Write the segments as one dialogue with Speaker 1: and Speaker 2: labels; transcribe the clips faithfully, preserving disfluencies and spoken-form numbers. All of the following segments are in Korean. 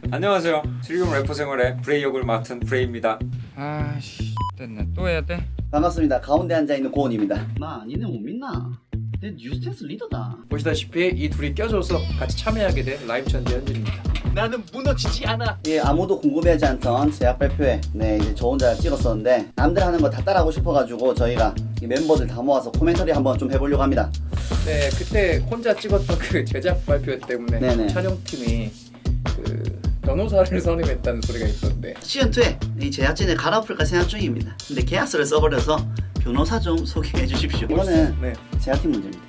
Speaker 1: 안녕하세요. 즐거운 래퍼 생활의 브레이 역을 맡은 브레이입니다.
Speaker 2: 아씨 됐네. 또 해야 돼?
Speaker 3: 반갑습니다. 가운데 앉아있는 고은입니다. 마, 니네 못 믿나? 내 뉴스텐스 리더다.
Speaker 4: 보시다시피 이 둘이 껴줘서 같이 참여하게 된 라이브 천재 현진입니다. 나는 무너지지 않아.
Speaker 3: 예, 아무도 궁금해하지 않던 제약 발표회 네 이제 저 혼자 찍었었는데 남들 하는 거 다 따라하고 싶어가지고 저희가 이 멤버들 다 모아서 코멘터리 한번 좀 해보려고 합니다.
Speaker 4: 네, 그때 혼자 찍었던 그 제작 발표 때문에
Speaker 3: 네네.
Speaker 4: 촬영팀이 그 변호사를 선임했다는 소리가 있던데.
Speaker 3: 시즌이에 이 제작진을 갈아엎을까 생각 중입니다. 근데 계약서를 써버려서 변호사 좀 소개해 주십시오. 이거는
Speaker 4: 네.
Speaker 3: 제작팀 문제입니다.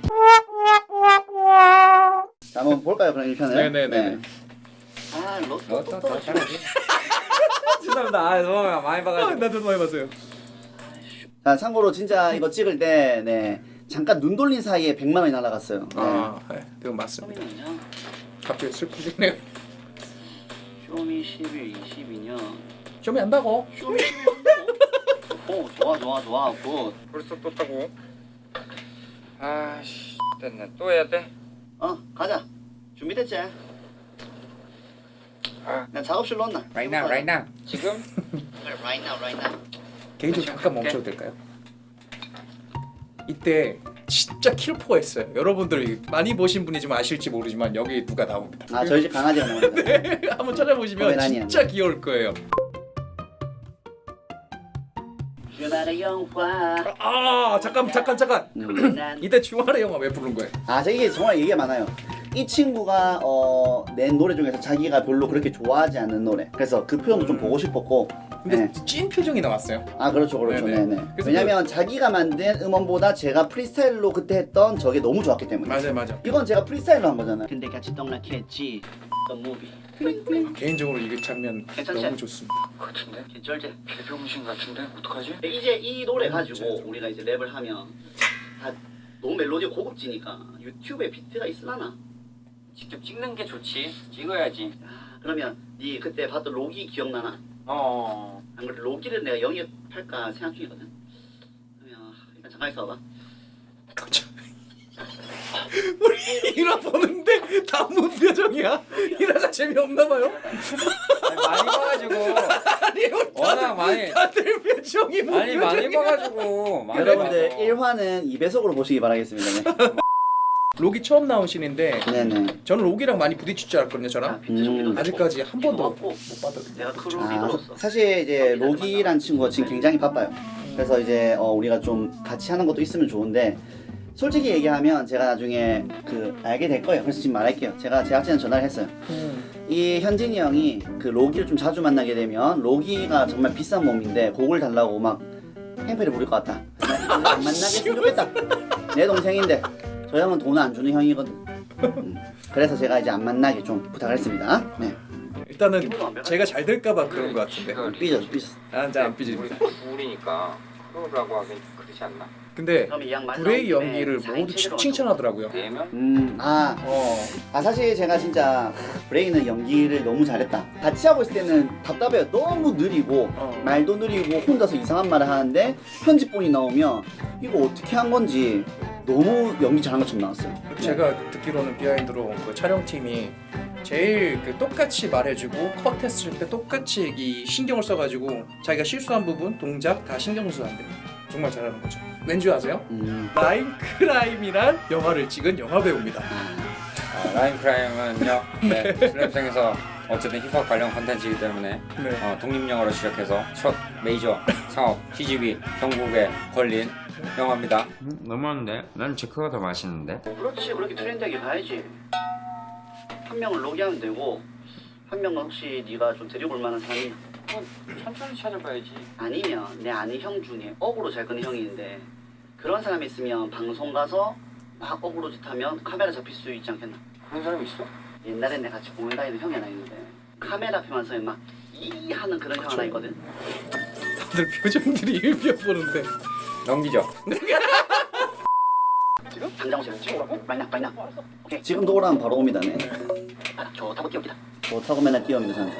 Speaker 3: 자, 한번 볼까요? 그럼 일 편을?
Speaker 4: 네네네.
Speaker 3: 네. 아, 로또
Speaker 1: 또,
Speaker 3: 또
Speaker 1: 또,
Speaker 3: 떨어지고.
Speaker 1: 죄송합니다. 아, 너무 많이
Speaker 4: 아,
Speaker 1: 봐가지고.
Speaker 4: 나도 많이 봤어요.
Speaker 3: 자, 참고로 진짜 이거 찍을 때 네, 잠깐 눈 돌린 사이에 백만 원이 날아갔어요. 네.
Speaker 4: 아, 네, 그건 맞습니다. 갑자기 슬퍼지네요.
Speaker 3: 쇼미 십일, 이십이 년.
Speaker 4: 쇼미 한다고?
Speaker 3: 쇼미 십일 한다고? 오, 좋아, 좋아, 좋아. 굿.
Speaker 2: 벌써 또 타고? 아씨 됐네. 또 해야 돼?
Speaker 3: 어, 가자. 준비됐지? 나 작업실로 온나?
Speaker 1: Right now, right now.
Speaker 2: 지금?
Speaker 3: Right now, right now.
Speaker 4: 개인적으로 잠깐 멈춰도 될까요? 이때 진짜 킬포가 있어요. 여러분들이 많이 보신 분이지만 아실지 모르지만 여기 누가 나옵니다.
Speaker 3: 아, 저희 집 강아지가 나옵니다.
Speaker 4: 네, 한번 찾아보시면
Speaker 3: 포메라니안.
Speaker 4: 진짜 귀여울 거예요.
Speaker 3: 주말의 영화.
Speaker 4: 아 잠깐 잠깐 잠깐.
Speaker 3: 음, 난-
Speaker 4: 이때 주말의 영화 왜 부른 거예요?
Speaker 3: 아, 저 이게 정말 얘기가 많아요. 이 친구가 어, 낸 노래 중에서 자기가 별로 그렇게 좋아하지 않는 노래. 그래서 그 표현도 좀 보고 싶었고.
Speaker 4: 근데
Speaker 3: 네.
Speaker 4: 찐 표정이 나왔어요.
Speaker 3: 아, 그렇죠, 그렇죠.
Speaker 4: 네네.
Speaker 3: 네네.
Speaker 4: 그래서
Speaker 3: 왜냐면 자기가 만든 음원보다 제가 프리스타일로 그때 했던 저게 너무 좋았기 때문에.
Speaker 4: 맞아요, 맞아.
Speaker 3: 이건 제가 프리스타일로 한 거잖아요. 근데 같이 떡락했지. The movie.
Speaker 4: 개인적으로 이 장면
Speaker 3: 괜찮지?
Speaker 4: 너무 좋습니다.
Speaker 2: 같은데?
Speaker 3: 개쩔제.
Speaker 2: 개병신 같은데? 어떡하지?
Speaker 3: 이제 이 노래 가지고
Speaker 4: 진짜.
Speaker 3: 우리가 이제 랩을 하면 다 너무 멜로디가 고급지니까 유튜브에 비트가 있으려나?
Speaker 2: 직접 찍는 게 좋지. 찍어야지.
Speaker 3: 아, 그러면 네 그때 봤던 로기 기억나나?
Speaker 2: 어.
Speaker 3: 안 그래, 로기를 내가 영입할까 생각 중이거든. 그러면 일단 잠깐 있어봐.
Speaker 4: 우리 일화 보는데 다 문 표정이야. 일화가 재미없나 봐요.
Speaker 1: 아니, 많이 봐가지고.
Speaker 4: 아니,
Speaker 1: 워낙 많이.
Speaker 4: 다들 표정이 문
Speaker 1: 아니, 많이 봐가지고. 많이
Speaker 3: 여러분들
Speaker 1: 봐서.
Speaker 3: 일 화는 이 배속으로 보시기 바라겠습니다. 네.
Speaker 4: 록이 처음 나온 신인데
Speaker 3: 네네.
Speaker 4: 저는 록이랑 많이 부딪힐 줄 알았거든요. 저랑
Speaker 3: 음.
Speaker 4: 아직까지 한 번도
Speaker 3: 좋았고.
Speaker 4: 못 받았거든요.
Speaker 3: 내가 크루 리더로서. 아, 사실 이제 로기란 친구가 지금 굉장히 바빠요. 그래서 이제 어, 우리가 좀 같이 하는 것도 있으면 좋은데 솔직히 얘기하면 제가 나중에 그 알게 될 거예요. 그래서 지금 말할게요. 제가 제작진한테 전화를 했어요.
Speaker 4: 음.
Speaker 3: 이 현진이 형이 그 로기를 좀 자주 만나게 되면 로기가 정말 비싼 몸인데 곡을 달라고 막 행패를 부릴 것 같다. 그래서 안 만나겠으면 좋겠다. 내 동생인데 저 형은 돈 안 주는 형이거든. 음. 그래서 제가 이제 안 만나게 좀 부탁을 했습니다. 네.
Speaker 4: 일단은 제가 잘 될까봐 그런 것 같은데.
Speaker 3: 삐졌어, 삐졌어.
Speaker 4: 아, 잘안 삐집니다.
Speaker 2: 우리니까 프로라고 하긴 그렇지 않나?
Speaker 4: 근데
Speaker 3: 그럼 이양 말
Speaker 4: 브레이
Speaker 3: 나온 김에
Speaker 4: 연기를
Speaker 3: 사인
Speaker 4: 모두
Speaker 3: 체계로
Speaker 4: 칭찬하더라고요.
Speaker 2: 네명?
Speaker 3: 음, 아,
Speaker 4: 어.
Speaker 3: 아 사실 제가 진짜 브레이는 연기를 너무 잘했다. 같이 하고 있을 때는 답답해요. 너무 느리고
Speaker 4: 어.
Speaker 3: 말도 느리고 혼자서 이상한 말을 하는데 편집본이 나오면 이거 어떻게 한 건지 너무 연기 잘한 것처럼 나왔어요. 네.
Speaker 4: 제가 듣기로는 비하인드로 그 촬영팀이 제일 그 똑같이 말해주고 컷했을 때 똑같이 이 신경을 써가지고 자기가 실수한 부분, 동작 다 신경 써야 돼. 정말 잘하는 거죠. 왠지 아세요?
Speaker 3: 음.
Speaker 4: 라인 크라임이란 영화를 찍은 영화 배우입니다.
Speaker 1: 아, 라인 크라임은요. 네, 슬랩생에서 어쨌든 힙합 관련 컨텐츠이기 때문에
Speaker 4: 네.
Speaker 1: 어, 독립영화로 시작해서 첫 메이저 상업 씨지비 경국에 걸린 영화입니다.
Speaker 2: 음, 너무한데? 난 제크가 더 맛있는데?
Speaker 3: 그렇지, 그렇게 트렌드하게 가야지. 한 명을 로기하면 되고 한 명은 혹시 네가 좀 데리고 올 만한 사람이
Speaker 2: 어, 천천히 찾아봐야지.
Speaker 3: 아니면 내 아는 형 중에 어그로 잘 끄는 형이 있는데 그런 사람이 있으면 방송 가서 막 어그로 짓 하면 카메라 잡힐 수 있지 않겠나?
Speaker 2: 그런 사람 있어?
Speaker 3: 옛날에 내가 같이 공연 다니는 형이 하나 있는데 카메라 앞에만 서면 막 이 하는 그런 형 하나 있거든.
Speaker 4: 다들 표정들이 일비어 보는데
Speaker 1: 넘기죠.
Speaker 3: 지금? 당장 오세요. 지금 오라고? 빨리 나, 빨리 나. 오케이. 지금도 오라면 바로 옵니다. 네. 아, 좋다고 뛰어옵니다. 좋다고 맨날 뛰어옵니다 저는.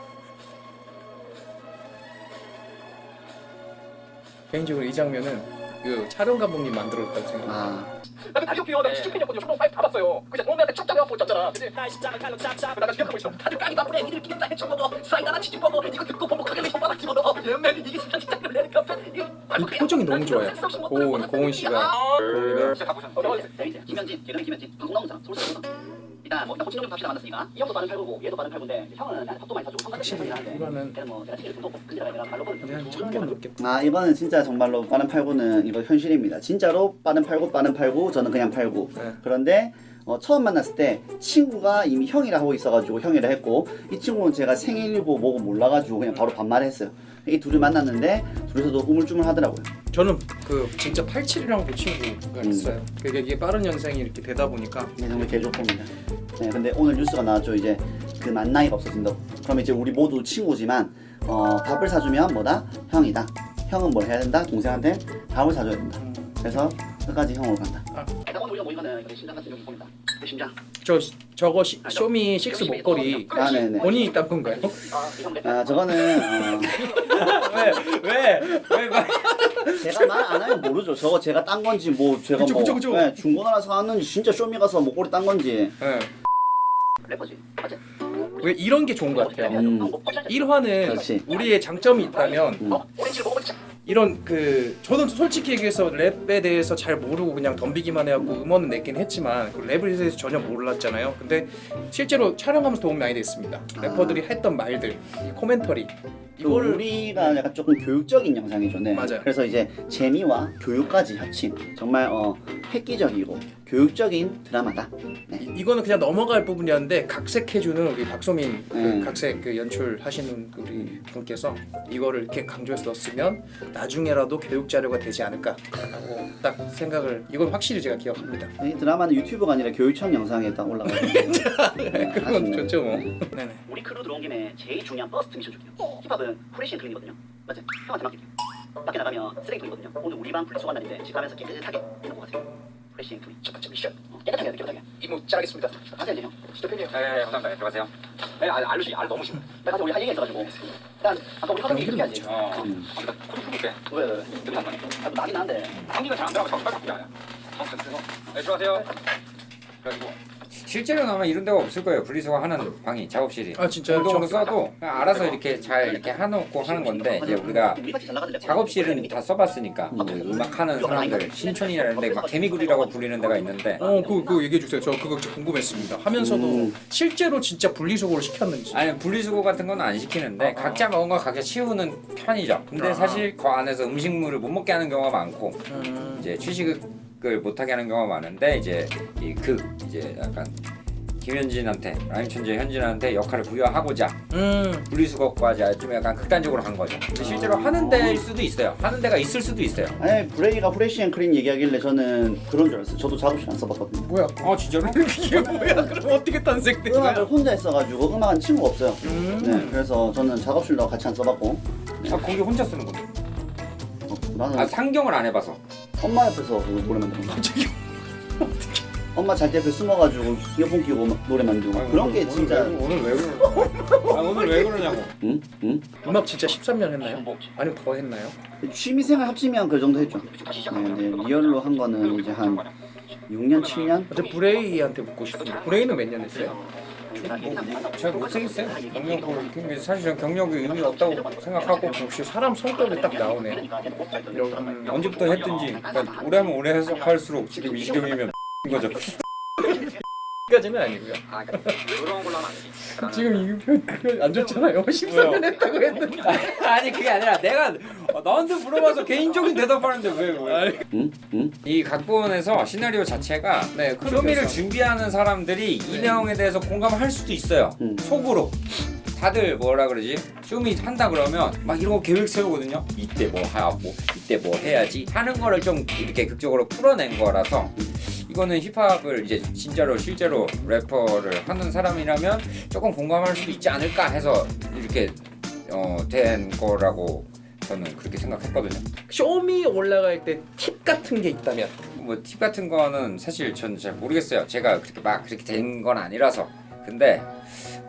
Speaker 4: 개인적으로 이 장면은 그 촬영 감독님 만들었다고 생각.
Speaker 3: 아
Speaker 5: 나는 다리오 피어 나 시즌 팬이었거든요. 초롱 파이브 다 봤어요. 그냥 동네한테 쫙 잡아갖고 있잖아. 근데 나가 기억하고 있어. 다들 깡이 바쁘네. 니들 끼겠다 해쳐 먹어. 사이다나 치즈 먹어. 이거 듣고 보복하게 손바닥 집어넣어. 얘네 이게 진짜 진짜 그래.
Speaker 4: 이 표정이 너무 좋아요. 고은 고은 씨가 고은이가
Speaker 2: 진짜 다 보셨는데.
Speaker 3: 어, 재밌어요. 김현진, 예전에 김현진, 방송 나온 사람, 서울서 나온 사람. 일단 뭐 일단 호칭 좀 합시다 만났으니까 이 형도 빠른 팔구고 얘도 빠른 팔구인데 형은 나한테 밥도 많이 사주고
Speaker 4: 확실히 이거는
Speaker 3: 걔는 뭐 제가 치즈를 좀 근데다가 내가 말로
Speaker 4: 근데 한 천 번 넘겠다.
Speaker 3: 아 이거는 진짜 정말로 빠른 팔구는 이거 현실입니다. 진짜로 빠른 팔구 빠른 팔구 저는 그냥 팔구.
Speaker 4: 네.
Speaker 3: 그런데 어, 처음 만났을 때 친구가 이미 형이라 하고 있어가지고 형이라 했고 이 친구는 제가 생일이고 뭐고 몰라가지고 그냥 바로 반말했어요. 이 둘이 만났는데 둘이서도 우물쭈물 하더라고요.
Speaker 4: 저는 그 진짜 팔십칠이라고 그 친구가
Speaker 3: 음.
Speaker 4: 있어요. 그게 이게 빠른 연생이 이렇게 되다 보니까
Speaker 3: 네, 정말 개좋습니다. 네, 근데 오늘 뉴스가 나왔죠. 이제 그 만나이가 없어진다고. 그럼 이제 우리 모두 친구지만 어, 밥을 사주면 뭐다? 형이다. 형은 뭘 해야 된다? 동생한테 밥을 사줘야 된다.
Speaker 4: 음.
Speaker 3: 그래서 끝까지 형으로 간다.
Speaker 4: 아.
Speaker 3: 일단 오늘 우리가 모이면은 이렇게 심장 같은 경우 보인다. 내 심장.
Speaker 4: 저 저거 시, 쇼미 식스 목걸이
Speaker 3: 아, 네네.
Speaker 4: 본인이 딴 건가요?
Speaker 3: 아, 저거는 어,
Speaker 1: 왜왜왜 말?
Speaker 3: 제가 말 안 하면 모르죠. 저거 제가 딴 건지 뭐 제가
Speaker 4: 그쵸,
Speaker 3: 뭐
Speaker 4: 그쵸, 그쵸.
Speaker 3: 네, 중고나라 사왔는지 진짜 쇼미 가서 목걸이 딴 건지.
Speaker 4: 네.
Speaker 3: 래퍼지. 맞지?
Speaker 4: 왜 이런 게 좋은 것 같아요.
Speaker 3: 음.
Speaker 4: 일 화는
Speaker 3: 그렇지.
Speaker 4: 우리의 장점이 있다면
Speaker 3: 음.
Speaker 4: 이런 그 저는 솔직히 얘기해서 랩에 대해서 잘 모르고 그냥 덤비기만 해갖고 음원은 냈긴 했지만 그 랩에 대해서 전혀 몰랐잖아요. 근데 실제로 촬영하면서 도움이 많이 됐습니다.
Speaker 3: 아.
Speaker 4: 래퍼들이 했던 말들, 이 코멘터리
Speaker 3: 또
Speaker 4: 이거를
Speaker 3: 우리가 약간 조금 교육적인 영상이죠. 네.
Speaker 4: 맞아요.
Speaker 3: 그래서 이제 재미와 교육까지 합친 정말 어, 획기적이고 교육적인 드라마다. 네.
Speaker 4: 이, 이거는 그냥 넘어갈 부분이었는데 각색해주는 우리 박소민 그
Speaker 3: 음.
Speaker 4: 각색 그 연출하시는 우리 분께서 이거를 이렇게 강조해서 넣었으면 나중에라도 교육 자료가 되지 않을까라고 딱 생각을 이건 확실히 제가 기억합니다.
Speaker 3: 이 드라마는 유튜브가 아니라 교육청 영상에 딱 올라가요. 네,
Speaker 4: 그건
Speaker 3: 아쉽네요.
Speaker 4: 좋죠 뭐.
Speaker 3: 네.
Speaker 4: 네네.
Speaker 3: 우리 크루 들어온 김에 제일 중요한 버스트 미션 줄게요. 힙합은 프레시 앤 클린이거든요. 맞지? 형한테 맡길게요. 밖에 나가면 쓰레기통이거든요. 오늘 우리 방 분리수거 날인데 집 가면서 깨끗하게 해놓고 가세요. 프레시 앤 클린. 첫 번째 미션. 어, 깨끗하게 해야 돼, 깨끗하게.
Speaker 5: 이모 잘하겠습니다.
Speaker 3: 가세요 이제 형.
Speaker 5: 진짜 팬이에요.
Speaker 2: 네, 네, 감사합니다. 들어가세요.
Speaker 5: 네, 알 알루시 알 너무 싫어.
Speaker 3: 나 가서 우리 할 얘기 있어가지고. 일단 아까 우리 화장실
Speaker 4: 이름
Speaker 3: 얘기하지.
Speaker 2: 어, 일단 코드 풀게.
Speaker 3: 왜 왜? 왜?
Speaker 2: 땀 나네.
Speaker 3: 아, 뭐 나긴 한데.
Speaker 2: 감기가 잘 안 들어가고 자꾸 빨리 바뀌어요. 네, 들어가세요. 그래가지고
Speaker 1: 실제로는 아마 이런 데가 없을 거예요. 분리수거 하는 방이 작업실이.
Speaker 4: 아 진짜요?
Speaker 1: 공동으로
Speaker 4: 저-
Speaker 1: 써도 그냥 알아서 이렇게 잘 이렇게 해놓고 하는 건데 이제 우리가
Speaker 3: 우리같이 잘 나가는 래퍼.
Speaker 1: 작업실은 다 써봤으니까 뭐 음악하는 사람들 신촌이나 이런 데막 개미굴이라고 불리는 데가 있는데
Speaker 4: 어, 그거, 그거 얘기해 주세요. 저 그거 좀 궁금했습니다. 하면서도
Speaker 3: 음.
Speaker 4: 실제로 진짜 분리수거를 시켰는지.
Speaker 1: 아니 분리수거 같은 건 안 시키는데 각자 먹은 거 각자 치우는 편이죠. 근데
Speaker 4: 아.
Speaker 1: 사실 그 안에서 음식물을 못 먹게 하는 경우가 많고
Speaker 4: 음.
Speaker 1: 이제 취식을 못하게 하는 경우가 많은데 이제 이 극 이제 약간 김현진한테 라임천재 현진한테 역할을 부여하고자
Speaker 4: 음.
Speaker 1: 분리수거까지 좀 약간 극단적으로 간 거죠. 근데 실제로 하는 데일 수도 있어요. 하는 데가 있을 수도 있어요.
Speaker 3: 아니 브레이가 프레시 앤 클린 얘기하길래 저는 그런 줄 알았어요. 저도 작업실 안 써봤거든요.
Speaker 4: 뭐야?
Speaker 1: 어 진짜로?
Speaker 4: 이게 뭐야? 그럼 어떻게 탄생된
Speaker 3: 음악을
Speaker 4: 거야?
Speaker 3: 혼자 했어가지고 음악은 친구가 없어요.
Speaker 4: 음.
Speaker 3: 네, 그래서 저는 작업실도 같이 안 써봤고.
Speaker 1: 아 거기 혼자 쓰는 건데.
Speaker 3: 어, 나는
Speaker 1: 아 상경을 안 해봐서.
Speaker 3: 엄마 옆에서 그 노래 만드는 거.
Speaker 4: 갑자기
Speaker 3: 엄마 잘 때 옆에 숨어가지고 이어폰 끼고 막 노래 만들고 막 그런 게 진짜.
Speaker 1: 오늘 왜 그러? 아 오늘 왜 그러냐고.
Speaker 3: 응? 응?
Speaker 4: 음악 진짜 십삼 년 했나요? 아니면 더 했나요?
Speaker 3: 취미생활 합치면 그 정도 했죠. 네, 근데 리얼로 한 거는 이제 한 육 년, 칠 년?
Speaker 4: 저 브레이한테 묻고 싶은데 브레이는 몇 년 했어요?
Speaker 1: 잘 못생겼어요. 경력을 사실 전 경력이 의미 없다고 생각하고
Speaker 4: 역시 사람 성격이 딱 나오네. 이런
Speaker 1: 음, 언제부터 했든지 그러니까 오래 하면 오래 해서 할수록 지금 이 시경이면 거죠.
Speaker 4: 까지는 아니고요.
Speaker 2: 아, 그러니까 그런 걸로 하면 안 되지.
Speaker 4: 지금 이거 안 좋잖아요. 십삼 년 했다고 했는데.
Speaker 1: 아니 그게 아니라 내가 너한테 물어봐서 개인적인 대답하는데 왜 왜?
Speaker 3: 응? 응?
Speaker 1: 이 각본에서 시나리오 자체가
Speaker 4: 네,
Speaker 1: 쇼미를 준비하는 사람들이 이 내용에 대해서 공감할 수도 있어요.
Speaker 3: 음.
Speaker 1: 속으로. 다들 뭐라 그러지? 쇼미 한다 그러면 막 이런 거 계획 세우거든요. 이때 뭐 하고 이때 뭐 해야지 하는 거를 좀 이렇게 극적으로 풀어낸 거라서 이거는 힙합을 이제 진짜로 실제로 래퍼를 하는 사람이라면 조금 공감할 수도 있지 않을까 해서 이렇게 어, 된 거라고 저는 그렇게 생각했거든요.
Speaker 4: 쇼미 올라갈 때 팁 같은 게 있다면
Speaker 1: 뭐 팁 같은 거는 사실 저는 잘 모르겠어요. 제가 그렇게 막 그렇게 된 건 아니라서. 근데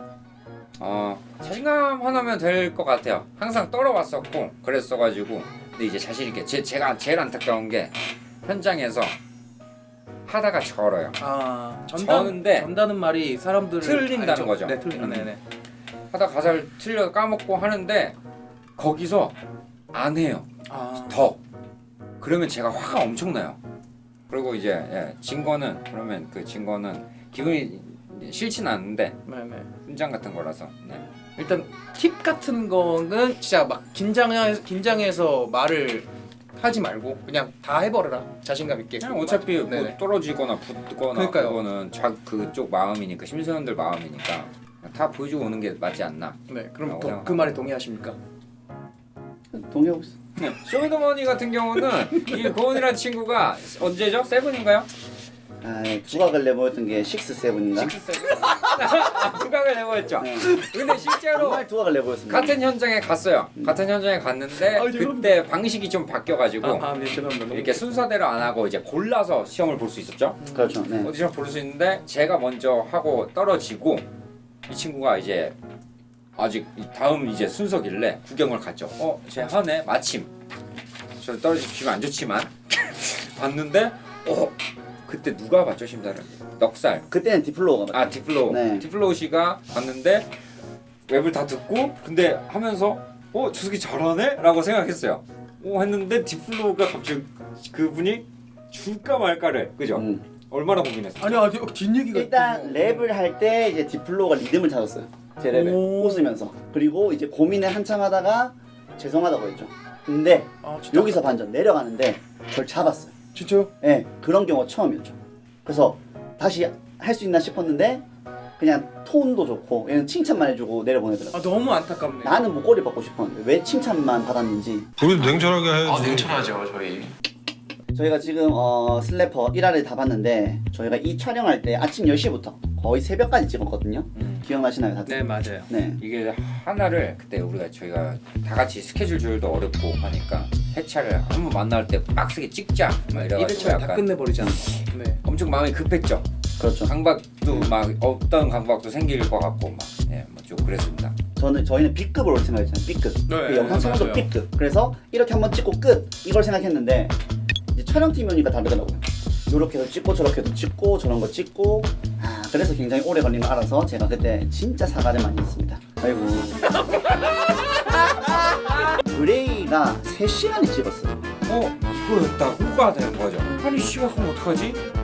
Speaker 1: 어 자신감 하나면 될 것 같아요. 항상 떨어왔었고 그랬어가지고 근데 이제 자신 있게 제, 제가 제일 안타까운 게 현장에서 하다가 절어요.
Speaker 4: 아 전단
Speaker 1: 저는데
Speaker 4: 전다는 말이 사람들을
Speaker 1: 틀린다는
Speaker 4: 알죠?
Speaker 1: 거죠.
Speaker 4: 네, 틀린.
Speaker 1: 음.
Speaker 4: 네네.
Speaker 1: 하다 가사를 틀려 까먹고 하는데 거기서 안 해요.
Speaker 4: 아
Speaker 1: 더 그러면 제가 화가 엄청나요. 그리고 이제 예, 진 거는 그러면 그 진 거는 기분이 싫진 않은데
Speaker 4: 네네.
Speaker 1: 훈장 같은 거라서 네.
Speaker 4: 일단 팁 같은 거는 진짜 막 긴장해 긴장해서 말을 하지 말고 그냥 다 해버려라 자신감 있게.
Speaker 1: 그냥 어차피 뭐
Speaker 4: 네네.
Speaker 1: 떨어지거나 붙거나
Speaker 4: 그러니까요.
Speaker 1: 그거는 자 그쪽 마음이니까 심사위원들 마음이니까 다 보여주고 오는 게 맞지 않나.
Speaker 4: 네 그럼
Speaker 1: 어,
Speaker 4: 도,
Speaker 1: 그냥-
Speaker 4: 그 말에 동의하십니까?
Speaker 3: 동의하고 있어.
Speaker 1: 쇼미더머니 같은 경우는 이 고은이라는 친구가 언제죠? 세븐인가요?
Speaker 3: 아, 두각을 내보였던 게 식스 세븐인가?
Speaker 1: 식스 세븐. 아, 두각을 내보였죠.
Speaker 3: 네.
Speaker 1: 근데 실제로
Speaker 3: 정말 두각을 내보였습니다.
Speaker 1: 같은 현장에 갔어요. 같은 현장에 갔는데
Speaker 4: 아, 죄송합니다.
Speaker 1: 그때 방식이 좀 바뀌어가지고
Speaker 4: 아네 죄송합니다. 너무-
Speaker 1: 이렇게 순서대로 안 하고 이제 골라서 시험을 볼 수 있었죠.
Speaker 3: 그렇죠. 네.
Speaker 1: 오디션 볼 수 있는데 제가 먼저 하고 떨어지고 이 친구가 이제 아직 이 다음 이제 순서길래 구경을 갔죠. 어, 제 하네 마침 저 떨어지면 안 좋지만 봤는데 어 그때 누가 봤죠 심사를? 넉살.
Speaker 3: 그때는 디플로우가
Speaker 1: 아 디플로우.
Speaker 3: 네.
Speaker 1: 디플로우 씨가 봤는데 웹을 다 듣고 근데 하면서 어 저 새끼 잘하네? 라고 생각했어요. 오 했는데 디플로우가 갑자기 그분이 줄까 말까를 그죠?
Speaker 3: 음.
Speaker 1: 얼마나 고민했어.
Speaker 4: 아니 아니 뒷얘기가
Speaker 3: 일단 랩을 할 때 이제 디플로우가 리듬을 찾았어요. 제 랩에
Speaker 4: 오.
Speaker 3: 웃으면서. 그리고 이제 고민을 한참 하다가 죄송하다고 했죠. 근데
Speaker 4: 아 진짜
Speaker 3: 여기서 반전 내려가는데 절 잡았어요.
Speaker 4: 진짜요?
Speaker 3: 예, 네, 그런 경우가 처음이었죠. 그래서 다시 할 수 있나 싶었는데 그냥 톤도 좋고 얘는 칭찬만 해주고 내려보내더라고요.
Speaker 4: 아 너무 안타깝네.
Speaker 3: 나는 목걸이 받고 싶었는데 왜 칭찬만 받았는지.
Speaker 6: 우리도 냉철하게 해야지.
Speaker 5: 아 냉철하죠 저희.
Speaker 3: 저희가 지금 어, 슬래퍼 일 화를 다 봤는데 저희가 이 촬영할 때 아침 열 시부터 거의 새벽까지 찍었거든요.
Speaker 1: 음.
Speaker 3: 기억나시나요 다들?
Speaker 4: 네 맞아요.
Speaker 3: 네.
Speaker 1: 이게 하나를 그때 우리가 저희가 다 같이 스케줄 조율도 어렵고 하니까 회차를 한 번 만날 때 빡세게 찍자 막
Speaker 4: 일
Speaker 1: 이래가지고
Speaker 4: 회차를 다
Speaker 1: 약간
Speaker 4: 끝내버리잖아. 네.
Speaker 1: 엄청 마음이 급했죠.
Speaker 3: 그렇죠.
Speaker 1: 강박도 막 없던 강박도 생길 것 같고 막 예, 뭐 좀 그랬습니다.
Speaker 3: 저는 저희는 B급을 올 생각했잖아요. B급.
Speaker 4: 네,
Speaker 3: 그 영상 촬영도
Speaker 4: 맞아요.
Speaker 3: B급. 그래서 이렇게 한번 찍고 끝 이걸 생각했는데 이제 촬영팀이 오니까 다르더라고요. 이렇게 해서 찍고 저렇게 해서 찍고 저런 거 찍고 아 그래서 굉장히 오래 걸린 거 알아서 제가 그때 진짜 사과를 많이 했습니다. 아이고. 그레이가 세 시간이 찍었어요.
Speaker 1: 어 이거였다 후가 되는 거죠. 아니 씨가 그럼 어떡하지?